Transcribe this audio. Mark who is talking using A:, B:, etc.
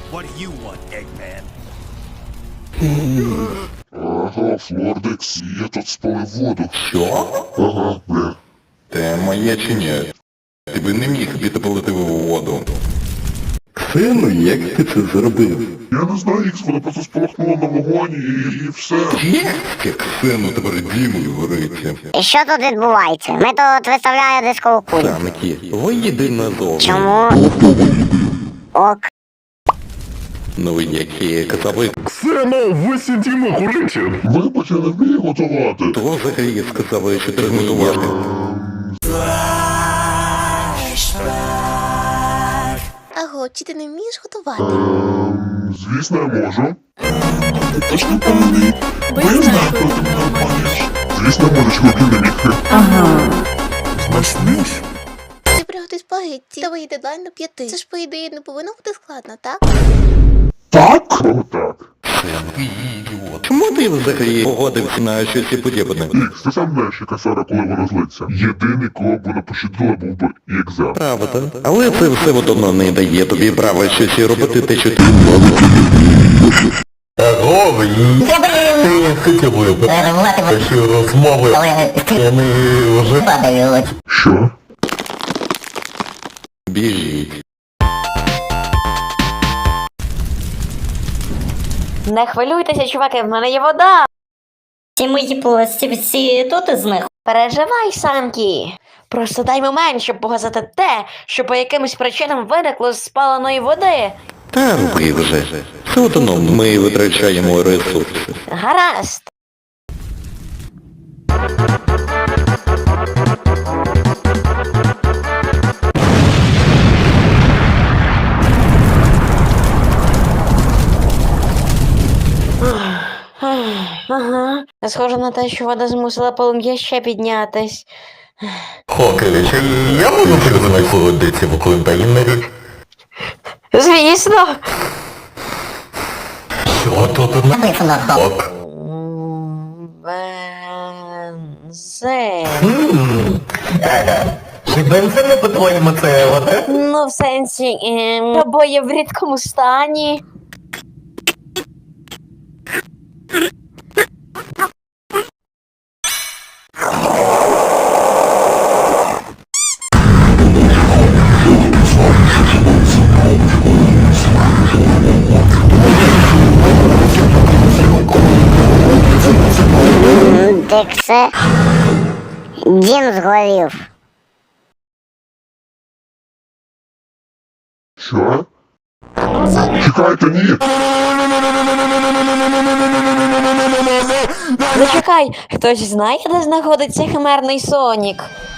A: What do you want, Eggman?
B: Ага, Флордекс, я тут спалив воду.
C: Що?
B: Ага, бля.
C: Це моє чи ні? Ти би не міг підпалити воду. Сину, як ти це зробив?
B: Я не знаю, Ікс, вона просто спалахнула на вогоні і все.
C: Як сину тепер дімою гориться.
D: І що тут відбувається? Ми тут виставляємо дискову кулю.
C: Самки, виїди назовні.
D: Чому? Ок.
C: Ну, які казали,
E: Сину, ви сидімо горите.
B: Вибач, я не вмію готувати.
C: то взагалі сказали, що треба готувати.
F: Аго, чи ти не вмієш готувати?
B: Звісно, я можу.
G: Точно повний. Бо я знаю, коли ти мене обманюєш.
B: Звісно, можеш хлопів не міг.
G: Знаєш?
F: Ти приготуй спагетті. Давай дедлайн до 5. Це ж, по ідеї, не повинно бути складно, так?
B: Так? О, так.
C: Чому ти взагалі погодився на щось подібне?
B: Ікс, ти сам знаєш, яка Сара, коли вона злиться. Єдиний, кого б вона пощадила, був би Ікса.
C: Правда. Але це все одно не дає тобі права щось робити те, що ти.
E: Ти хотів би що розмови. Вони вже
B: Що?
C: Біжіть.
H: Не хвилюйтеся, чуваки, в мене є вода.
D: Ці мої плості всі тут із них.
H: Переживай, Санкі. Просто дай момент, щоб показати те, що по якимось причинам виникло з спаленої води.
C: Та роби вже. Все одно ми витрачаємо ресурси.
H: Гаразд. Ага. Схоже на те, що вода змусила полум'я ще піднятись.
E: Хокері, чи я можу признати холодиці в контейнері?
H: Звісно.
E: Що тут на хок?
H: Бензин.
E: Чи бензин не по-твоєму це вода?
H: Ну, в сенсі, обоє в рідкому стані.
D: Диксе. Дім згорів.
B: Що? Чекайте, ні!
H: Зачекай, хтось знає, де знаходиться химерний Сонік?